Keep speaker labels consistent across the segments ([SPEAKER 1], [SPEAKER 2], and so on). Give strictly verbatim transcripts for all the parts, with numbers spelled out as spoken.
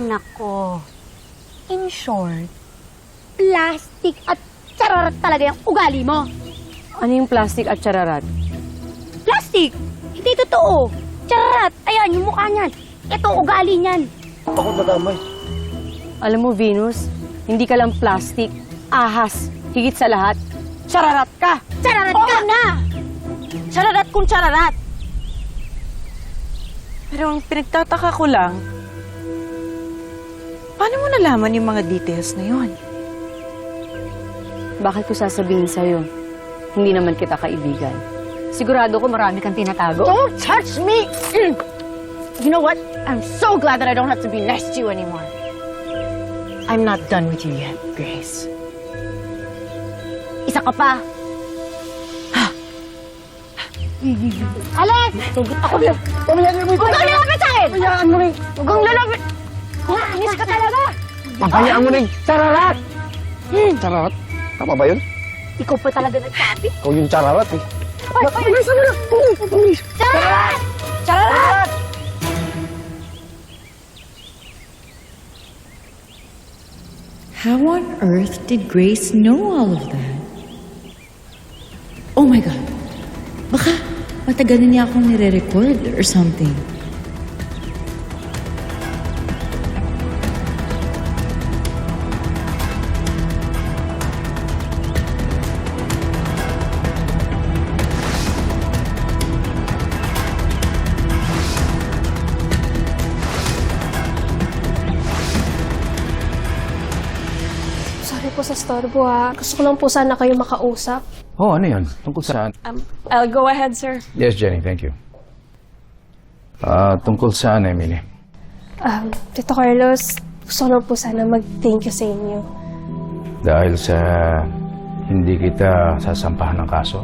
[SPEAKER 1] nako. In short, plastic at chararat talaga yung ugali mo.
[SPEAKER 2] Ano yung plastic at chararat?
[SPEAKER 1] Plastic! Hindi totoo. Chararat! Ayan, yung mukha niyan. Ito, ugali niyan.
[SPEAKER 3] Ako nadamay.
[SPEAKER 2] Alam mo, Venus, hindi ka lang plastic, ahas, higit sa lahat, chararat ka!
[SPEAKER 1] Chararat ka na!
[SPEAKER 2] Chararat kung chararat! Pero ang pinagtataka ko lang, paano mo nalaman yung mga details na yun? Bakit ko sasabihin sa'yo? Hindi naman kita kaibigan. Sigurado ko marami kang tinatago.
[SPEAKER 4] Don't touch me! You know what? I'm so glad that I don't have to be nice to you anymore. I'm not done with you yet, Grace.
[SPEAKER 1] Isa ka pa. Alex! Tugot ako na.
[SPEAKER 3] Pamayagan mo ito.
[SPEAKER 1] Huwag kang lalapit sa akin!
[SPEAKER 3] Pamayagan mo rin.
[SPEAKER 1] Huwag kang lalapit! Inis ka talaga!
[SPEAKER 3] Pamayagan mo rin. Chararat! Chararat? Tama ba yun?
[SPEAKER 1] Ikaw pa talaga nagsabi.
[SPEAKER 3] Ikaw yung chararat eh.
[SPEAKER 1] Ay, ay, ay, Chararat! Chararat!
[SPEAKER 5] How on earth did Grace know all of that? Oh my God! Baka matagal na niya akong nire-record or something.
[SPEAKER 6] Sorry po sa storbo ha. Gusto ko lang po sana kayo makausap.
[SPEAKER 7] Oh, ano yun? Tungkol saan?
[SPEAKER 6] Um, I'll go ahead, sir.
[SPEAKER 7] Yes, Jenny, thank you. Ah, tungkol saan, Emily?
[SPEAKER 6] Um, Tito Carlos, gusto ko lang po sana mag-thank you sa inyo.
[SPEAKER 7] Dahil sa hindi kita sasampahan ng kaso.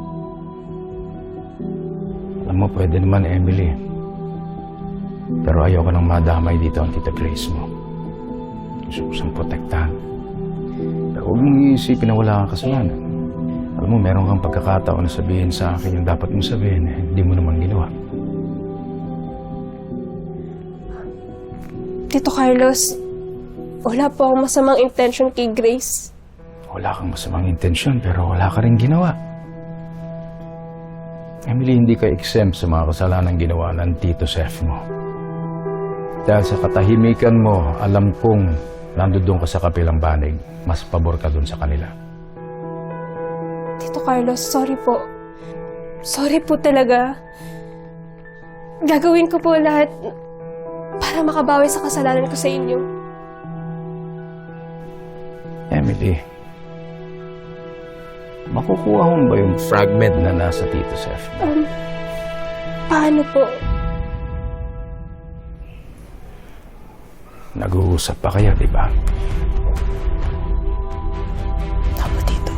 [SPEAKER 7] Alam mo, pwede naman, Emily. Pero ayoko nang madamay dito ang Tita Grace mo. Gusto ko siyang protektahan. Pero huwag mong iisipin na wala kang kasalanan. Alam mo, meron kang pagkakataon na sabihin sa akin yung dapat mong sabihin, eh, hindi mo naman ginawa.
[SPEAKER 6] Tito Carlos, wala po akong masamang intention kay Grace.
[SPEAKER 7] Wala kang masamang intensyon, pero wala ka rin ginawa. Emily, hindi ka exempt sa mga kasalanan ginawa ng Tito Seth mo. Dahil sa katahimikan mo, alam kong nandoon ka sa kapilang banig, mas pabor ka dun sa kanila.
[SPEAKER 6] Tito Carlos, sorry po. Sorry po talaga. Gagawin ko po lahat para makabawi sa kasalanan ko sa inyo.
[SPEAKER 7] Emily, makukuha mo ba yung fragment na nasa Tito Seth?
[SPEAKER 6] Um, paano po?
[SPEAKER 7] Nag-uusap pa kayo, di ba?
[SPEAKER 6] Tama, Tito.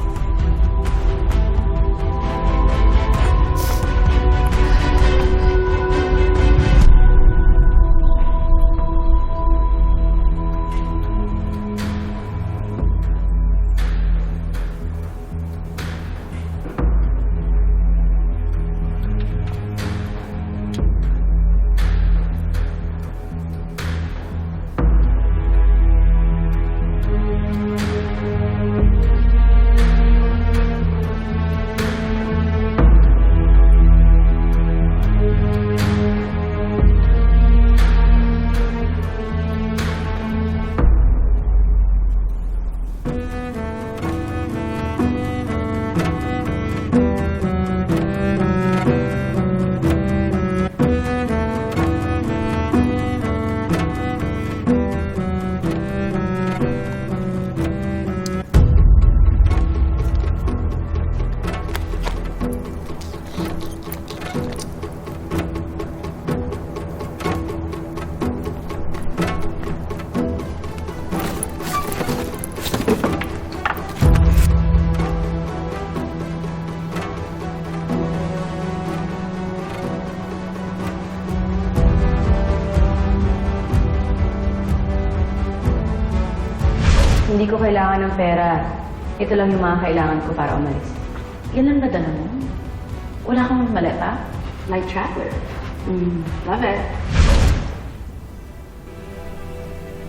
[SPEAKER 2] Hindi ko kailangan ng pera. Ito lang yung mga kailangan ko para umalis. Yan lang nadala mo? Wala kang maleta?
[SPEAKER 1] Light traveler.
[SPEAKER 2] Mm, love it.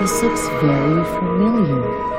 [SPEAKER 5] This looks very familiar.